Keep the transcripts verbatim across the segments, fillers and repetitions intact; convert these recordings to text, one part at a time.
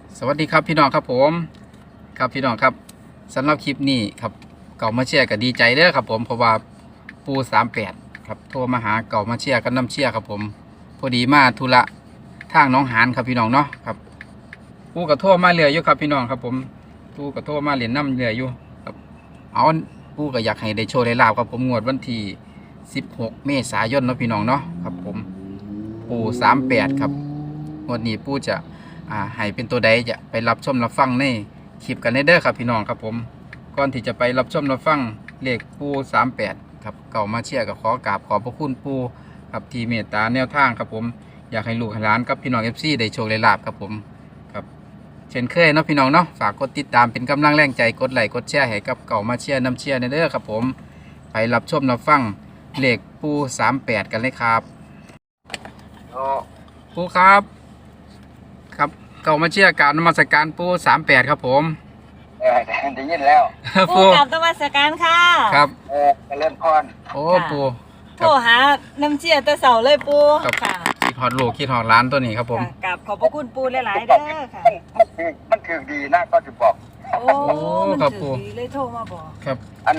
สวัสดีครับพี่น้องครับผมครับพี่น้องครับสำหรับคลิปนี้ครับเก่ามาเชียร์ก็ดีใจเด้อครับผมเพราะว่าปูสามแปดครับโทรมาหาเก่ามาเชียร์กันน้ำเชียร์ครับผมพอดีมาธุระทางน้องหานครับพี่น้องเนาะครับปูกับโทรมาเรืออยู่ครับพี่น้องครับผมปูกับโทรมาเหรียญน้ำเรืออยู่ครับเอาปูก็อยากให้ได้โชว์ได้ลาบครับผมงวดวันที่สิบหกเมษายนเนาะพี่น้องเนาะครับผมปูสามแปดครับงวดนี้ปูจะอ่าให้เป็นตัวใดจะไปรับชมรับฟังในคลิปกันเด้อครับพี่น้องครับผมก่อนที่จะไปรับชมรับฟังเลขปูสามแปดครับเก่ามาเชียร์กับขอกราบขอบพระคุณปูครับที่เมตตาแนวทางครับผมอยากให้ลูกให้หลานกับพี่น้องเอฟซีได้โชคได้ลาบครับผมครับเช่นเคยเนาะพี่น้องเนาะฝากกดติดตามเป็นกำลังแรงใจกดไลค์กดแชร์ให้กับเก่ามาเชียร์น้ำเชียร์เด้อครับผมไปรับชมรับฟังเลขปูสามแปดกันเลยครับปูครับครับเก่ามาเชียร์การนมัสการปูสามแปดครับผมเออได้ยินแล้วปูกับตวัสการค่ะครับเออไปเล่นพรโอ้ปูโทรหาน้ำเชี่ยแต่เสาเลยปูค่ะคิดฮอดลูกคิดฮอดร้านตัวนี้ครับผมกับขอบพระคุณปูหลายๆเด้อค่ะมันคือมันคือดีนะก็จะบอกโอ้มันถือดีเลยโทรมาบอกครับอัน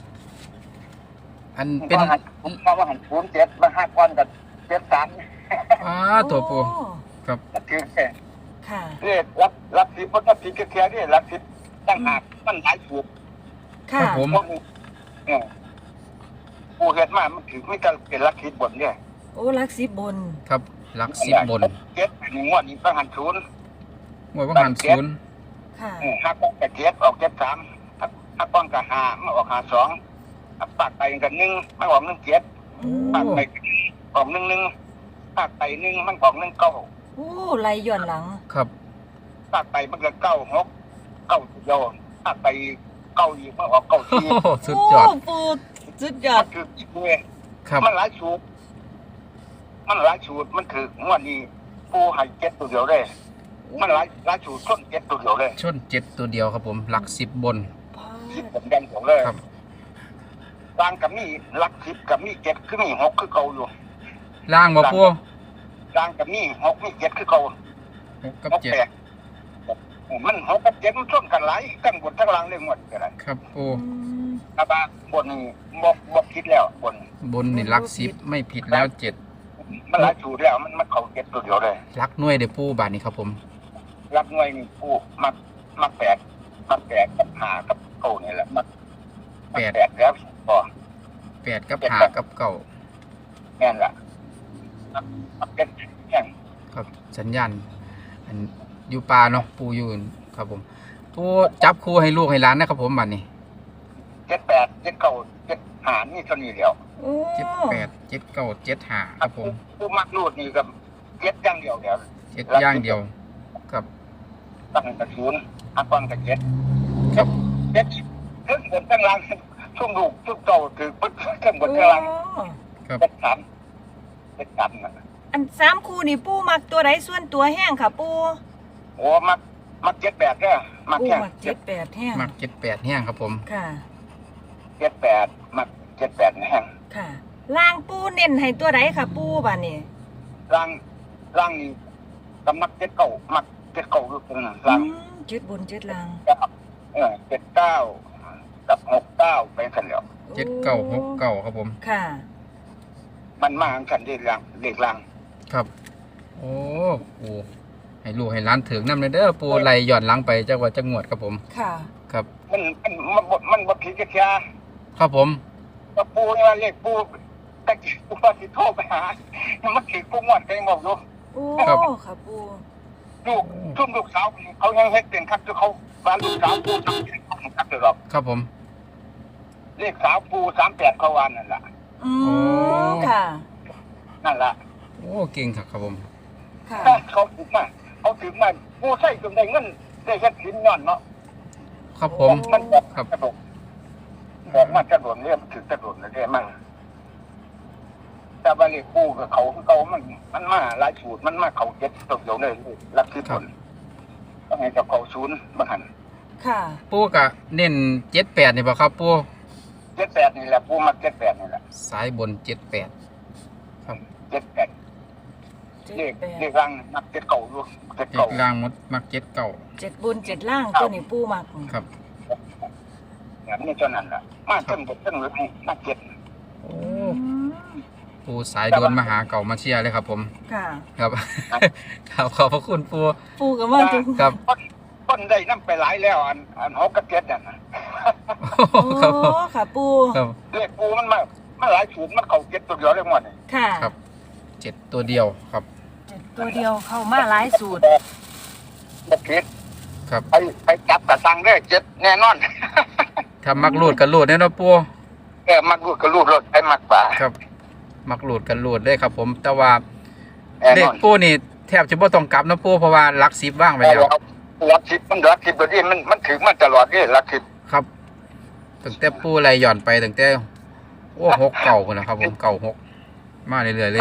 อันเป็นผมมาว่าหันศูนย์เจ็ดมาห้าก้อนกับเจ็ดสามอ้าตัวปูครับคือค่ะเรียกรับรับสิบเพราะถ้าผิดแค่นี้รับสิบตั้งหากมันหลายถูกค่ะผมเนี่ยปูเห็ดมามันถือไม่กันเป็นลักสิบบนเนี่ยโอ้ลักสิบบนครับลักสิบบนเจ็ดหนึ่งงวดนี้ต้องหันศูนย์งวดต้องหันศูนย์ค่ะห้าก้อนกับเจ็ดออกเจ็ดสามห้าก้อนกับห้ามาออกห้าสองปากไปกันหนึ่งมันออกหนึ่งเจ็ดปากไปออกหนึ่งหนึ่งปากไปหนึ่งมันออกหนึ่งเก้าโอ้ไรย่อนหลังครับปากไปมันก็เก้าหกเก้าโยนปากไปเก้าอีกมันออกเก้าทีสุดยอดปูสุดยอดคืออีกเวยมันหลายสูตรมันหลายสูตรมันคืองวดนี้ปูให้เจ็ดตัวเดียวเลยมันหลายหลายสูตรชนเจ็ดตัวเดียวเลยชนเจ็ดตัวเดียวครับผมหลักสิบบนสิบผมดันผมเลยครับล่างกับมีหลักสิบกับมีเจ็ดคือมีหกคือเก่าอยู่ล่างบ่ปูล่างกับมีหกมีเจ็ดคือเก่าหกกับเจ็ดมันหกกับเจ็ดมันชนกันหลายกันบนทั้งล่างเลยหมดกันครับปูอาบาบนนี่บกบกคิดแล้วบนบนนี่หลักสิบไม่ผิดแล้วเจ็ดมันหลายสูตรแล้วมันมันเขาเจ็ดตัวเดียวเลยหลักหน่วยเดี๋ยวปูบาทนี้ครับผมหลักหน่วยนี่ปูมักมักแปดมักแปดกับหากับเก้านี่แหละมักแปดแปดแล้วพอแปดกับหากับเก้าแน่นละมักเป็นแน่นครับสัญญาณอันอยู่ปลาเนาะปูอยู่ครับผมปูจับคู่ให้ลูกให้หลานนะครับผมบัดนี้เจ็ดแปดเจ็ดเก้าเจ็ดหานี่เท่านี้เดียวเจ็ดแปดเจ็ดเก้าเจ็ดหาครับผมปูมักรูดนี่กับเจ็ดย่างเดียวเดียวเจ็ดย่างเดียวครับตั้งแต่ศูนย์ห้าก้อนกับเจ็ดครับเจ็ดเครื่องบนตั้งล่างช่วงลูกช่วงโตถือปึ๊บเครื่องบนตั้งล่างครับเจ็ดสามเจ็ดสามนะอันสามคู่นี่ปูมักตัวไหนส่วนตัวแห้งค่ะปูโอ้มักมักเจ็ดแปดเนี่ยมักแค่เจ็ดแปดแห้งมักเจ็ดแปดแห้งครับผมค่ะเจ็ดแปดมักเจ็ดแปดแห้งค่ะล่างปูเน้นให้ตัวไหนค่ะปูบ้านนี้ล่างล่างนี่กำมักเจ็ดเก้ามักเจ็ดเก้าลูกนึงล่างเจ็ดบนเจ็ดล่างเออเจ็ดเก้ากับหกเก้าไปกันแล้วเจ็ดเก้าหกเก้าครับผมค่ะมันมาอันกันเด็กล่างเด็กล่างครับโอ้โหให้ลูกให้ร้านถึงน้ำเลยเด้อปูไหลหย่อนหลังไปจังหวัดจังหวัดครับผมค่ะครับมันมันมันมันบดผีกระเทียครับผมปูนี่ว่าเรียกปูตะกี้ปูสิโทรไปหามันถือปูหมดใจหมดลูกโอ้ครับปูลูกทุ่มลูกสาวเขายังเฮ็ดเป็นครับเขาบ้านลูกสาวปูทำเป็นครับเดี๋ยวรอครับผมเรียกสาวปูสามแปดเขาวานนั่นแหละอืมค่ะนั่นแหละโอ้เก่งครับผมค่ะเขาถึงมาเขาถึงมาปูใส่จนได้เงินได้เฮ็ดสินย้อนเนาะครับผมมันบอกครับบอกมาจะโดนเรียกถึงจะโดนนะเรียกมั่งแต่บาลีปูกับเขาเขามันมันมาหลายสูตรมันมาเขาเจ็ดตัวเดียวเลยรักที่ผลต้องให้กับเขาศูนย์บางหันค่ะปูกะเน้นเจ็ดแปดนี่ป่ะครับปูเจ็ดแปดนี่แหละปูมาเจ็ดแปดนี่แหละสายบนเจ็ดแปดครับเจ็ดแปดเจ็ดเลขแปดเลขรังนับเจ็ดเก่าอยู่เจ็ดเจ็เก่าดล่างหมดมักเจ็ดเก่าเจ็ดบุญเจ็ดล่างตัวนี้ปูมักครับอย่างนี้เท่านั้นแหละมาเพิ่งบทเพิ่งลึกนักเจ็ดโอ้อืมปูสายโดนมาหาเก่ามาเชียร์เลยครับผมค่ะครับ ครับขอบพระคุณปูปูกับว่าจุงครับต้นต้นได้น้ำไปหลายแล้วอันอันหกกับเจ็ดน่ะนะโอ้ครับผมค่ะปูครับเลขปูมันมามันหลายสูตรมันเข้าเจ็ดตัวเดียวเลยหมดนี่ค่ะครับเจ็ดตัวเดียวครับเจ็ดตัวเดียวเข้ามาหลายสูตรบักเจ็ดครับไปไปจับกระสังได้เจ็ดแน่นอนถ้ามักรูดกันรูดเนี่ยเนาะปูเออมักรูดก็รูดรถไอ้มักป่าครับ มักรูดกันรูดได้ครับผม แต่ว่าแน่เลนขอนปูนี่แทบจะบ่ต้องกลับนะปูเพราะว่าหลักสิบว่างไปแล้วรักสิบมันรักสิบตัวนี้มันมันถึงมันตลอดนี่รักสิบครับตั้งแต่ปูไรหย่อนไปตั้งแต่โอ้หกเก่าคนนะครับผมเก่าหกมาเรื่อยๆเลย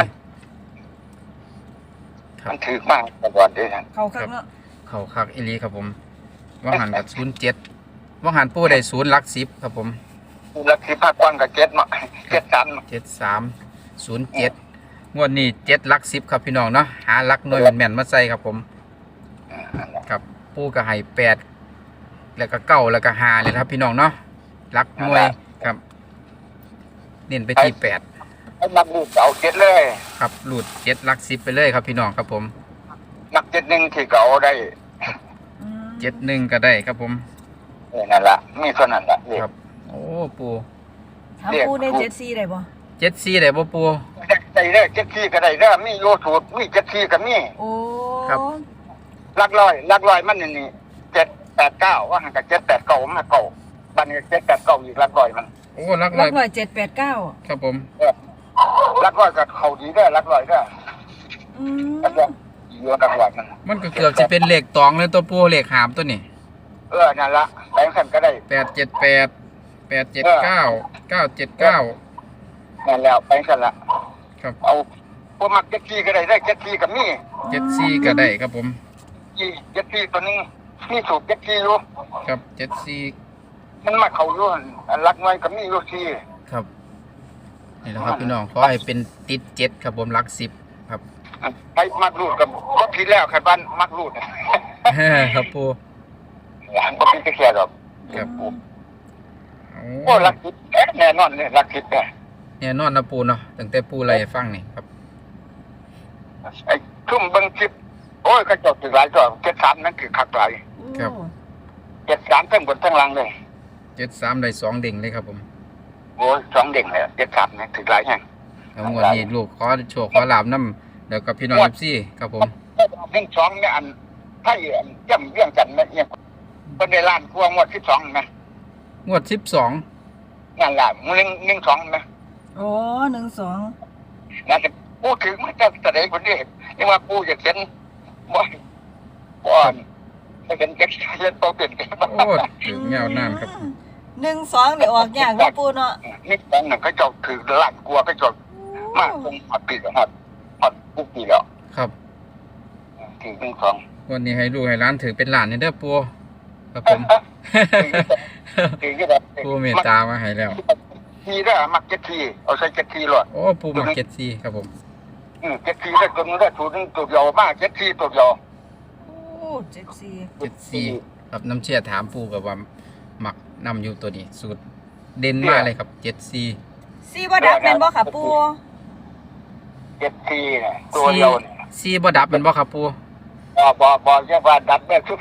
ครับมันถึงมากตลอดนี่นะเข้าข้างเนาะเข่าคักอีหลีครับผมว่างหันกับศูนย์เจ็ดว่างหันปูได้ศูนย์หลักสิบครับผมรักสิบภาคกว้างกับเจ็ดมาเจ็ดสันเจ็ดสามศูนย์เจ็ดงวดนี้เจ็ดหลักสิบครับพี่น้องเนาะหาหลักหน่วยแม่นๆมาใส่ครับผม ครับปูก็ให้แปดแล้วก็เก้าแล้วก็หาเลยครับพี่น้องเนาะหลักหน่วยครับ เน้นไปที่แปดไอ้มักรูดเอาเจ็ดเลยครับหลุดเจ็ดหลักสิบไปเลยครับพี่น้องครับผมมักเจ็ดหนึ่งที่เขาได้อืมเจ็ดหนึ่งก็ได้ครับผมเออนั่นละมีเท่านั้นละนี่ครับ โอ้ปูถามปูได้เจ็ดสี่ได้บ่เจ็ดสี่ได้บ่ปูได้ได้เจ็ดที่ก็ได้เด้อมีโยสูตรมีเจ็ดที่ก็มีโอ้ครับลักลอยลักลอยมันนี่นี่เจ็ดแปดเก้าว่าหันกับเจ็ดแปดเก้ามาเก้าบันนี้เจ็ดแปดเก้าอีกลักลอยมันโอ้หลักรัร้อก ยร้อยเจ็ดแปดเก้าครับผมเออลักลอยกับเขาดีเด้อลักลอยเด้ออืมลักลอยอยู่ลักลอยมันมันก็เกือบจะเป็นเลขตองเลยตัวปูเลขหามตัวนี้เออนั่นละแบงค์ขันก็ได้แปดเจ็ดแปดแปดเจ็ดเก้าเก้าเจ็ดเก้านั่นแล้วแบงค์ขันละครับเอาพวกมักเจ็ดที่ก็ได้ได้เจ็ดที่ก็มีเจ็ดสี่ก็ได้ครับผมยี่เจ็ดที่ตัวนึงมีสูตรเจ็ดที่อยู่ครับเจ็ดสี่มันมาเขาอยู่อันลักน้อยก็มีอยู่ที่ครับนี่แหละครับพี่น้องขอให้เป็นติดเจ็ดครับผมหลักสิบครับให้มักรูดกับก็ผิดแล้วขันบ้านมักรูดครับปูหลานก็ผิดแค่หรอกครับโอ้โอ้รักคิดแน่นอนเนี่ยรักคิดเนี่ยเนี่ยนอนนะปูเนาะตั้งแต่ปูไรฟังนี่ครับไอ้ทุ่มเบังคลิปโอ้ยกระจกถึงหลายตัวเจ็ดสามนั่นคือขักหลายครับโอ้เจ็ดสามทั้งบนทั้งล่างเลยเจ็ดสามได้สองเด้งเลยครับผมโอ้ยสองเด้งเลยเจ็ดสามเนี่ยถึงหลายแห่งแล้วงวดนี้ลูกขอโชว์ขอลาบน้ำเดี๋ยวกับพี่น้องเอฟซีครับผมหนึ่งสองเนี่ยอันไทยอันย่ำเรื่องกันเนี่ยเนี่ยเป็นในล้านกลัวงวดที่สองนะงวดสิบสองนั่นแหละหนึ่งหนึ่งสองนะโอ้หนึ่งสองน่าจะพูดถึงมันจะแสดงคนนี้ยังว่ากูอยากเห็นบ่อยบ่อนจะเป็นเก็บเล่นโตเปลี่ยนกันโอ้ถึงเงาน้ำครับหนึ่งสองนี่ออกยากเนาะปูเนาะนี่ตอนหนึ่งก็จบถือล้านกลัวก็จบมากคงหอดปีกับหอดหอดปุ๊บปีแล้วครับถือหนึ่งสองวันนี้ให้ลูกให้ร้านถือเป็นหลานนี่เด้อปูครับผมถือก็แบบปูเมตตามาให้แล้วทีได้มักเจ็ดทีเอาใส่เจ็ดทีหลอดโอ้ปูมาเก็ตซีครับผมเจ็ดทีได้ตัวนึงได้ตัวนึงตัวเดียวมากเจ็ดทีตัวเดียวโอ้เจ็ดสี่เจ็ดซีครับน้ำเชี่ยถามปูกับว่าหมักนำอยู่ตัวนี้สูตรเด่นมากเลยครับเจ็ดซีสี่บ่ดับเป็นบ่ค่ะปูเจ็ดทีเนี่ยตัวเดียวเนี่ยซีบ่ดับเป็นบ่ครับปูบอบอบอเรียกว่าดับแม่ทุก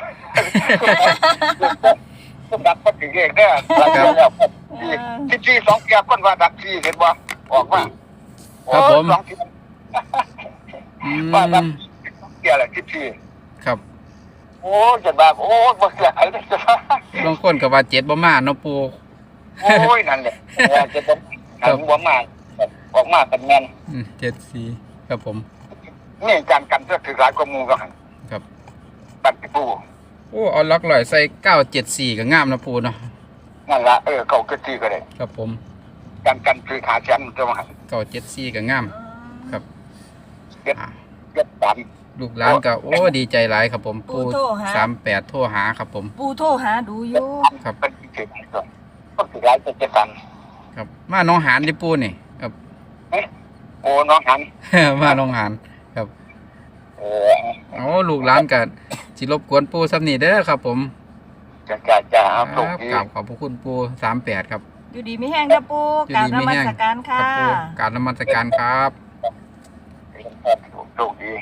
ทุกดับก็ถึงเองเนี่ยหลังจากแล้วที่ที่สองเกียร์คนว่าดับที่เห็นบ่ออกมาสองที่อืว่าดับมเกียร์แหละที่ที่ครับโอ้จะแบบโอ้บ่เสียหายเลยจะบางคนก็ว่าเจ็ดบ่มาเนาะปูโอ้ยนั่นแหละจะต้องหันหัวมาออกมาเป็นแมนเจ็ดซีครับผมนี่การกันเพื่อถือหลายกว่ามูก็หันครับปัดปูโอ้เอาล็อกลอยใส่เก้าเจ็ดสี่ก็งามนะปูเนาะนั่นละเออเขาก็ที่ก็ได้ครับผมการกันถือขาแชมป์จะมาหันเก้าเจ็ดสี่ก็งามครับเก็บอ่ะเก็บสามลูกหลานก็โอ้ดีใจหลายครับผมปูปูโทรหาสามแปดโทรหาครับผมปูโทรหาดูอยู่ครับเป็นที่เก็บก่อนก็ถือหลายเป็นเจ็ดสันครับมาน้องหานที่ปูนี่ครับโอ้น้องหันมาน้องหานครับออโอ้ลูกหลานกันสิรบกวนปูซ้ำนี่เด้อครับผมจ้าจ้าจ้าเอาคส่งรับดีกราบขอบพระคุณปูสามแปดครับอยู่ดีมีแห้งเด้อปูอยู่กราบดีนมีมัแห้งสการครัค่ะบปูกราบนมัสการครับส่งดี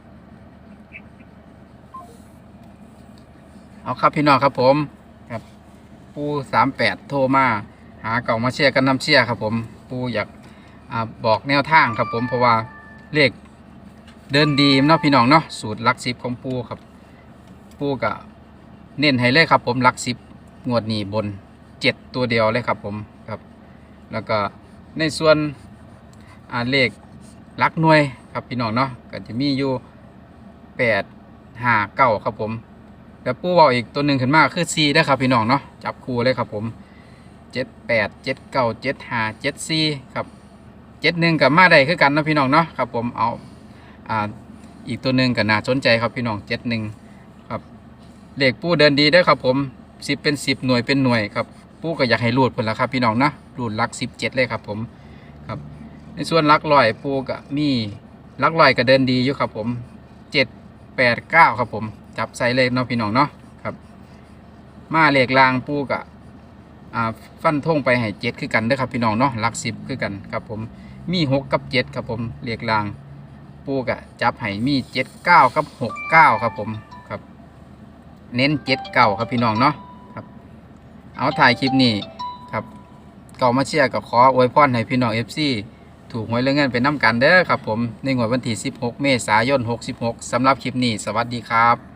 เอาครับพี่น้องครับผมครับปูสามแปดโทรมาหาเก่ามาเชียร์กันนำเชียร์ครับผมปูอยากอ่าบอกแนวทางครับผมเพราะว่าเลขเดินดีเนาะพี่น้องเนาะสูตรหลักสิบของปูครับปูก็เน้นให้เลยครับผมหลักสิบงวดนี้บนเจ็ดตัวเดียวเลยครับผมครับแล้วก็ในส่วนอ่าเลขหลักหน่วยครับพี่น้องเนาะก็จะมีอยู่แปดห้าเก้าครับผมแล้วปูเอาอีกตัวหนึ่งขึ้นมาคือสี่ได้อครับพี่น้องเนาะจับคู่เลยครับผมเจ็ดแปดเจ็ดเก้าเจ็ดห้าเจ็ดสี่ครับเจ็ดหนึ่งกับมาได้คือกันเนาะพี่น้องเนาะครับผมเอาอ่าอีกตัวหนึ่งก็น่าสนใจครับพี่น้องเจ็ดหนึ่งครับเลขปูเดินดีได้อครับผมสิบเป็นสิบหน่วยเป็นหน่วยครับปูก็อยากให้รูดผลละครับพี่น้องนะรูดหลักสิบเจ็ดเลยครับผมครับในส่วนหลักลอยปูก็มีหลักลอยก็เดินดีอยู่ครับผมเจ็ดแปดเก้าครับผมจับใส่เลขเนาะพี่น้องเนาะครับมาเลขลางปูกะอ่าฟันทงไปให้เจ็ดคือกันเด้อครับพี่น้องเนาะหลักสิบคือกันครับผมมีหกกับเจ็ดครับผมเลขลางปูกะจับให้มีเจ็ดเก้ากับหกเก้าครับผมครับเน้นเจ็ดเก้าครับพี่น้องเนาะครับเอาถ่ายคลิปนี้ครับเก่ามาเชียร์กับขออวยพรให้พี่น้องเอฟซีถูกหวยเรื่องเงินเป็นน้ำกันเด้อครับผมในงวดวันที่สิบหกเมษายนหกสิบหกสำหรับคลิปนี้สวัสดีครับ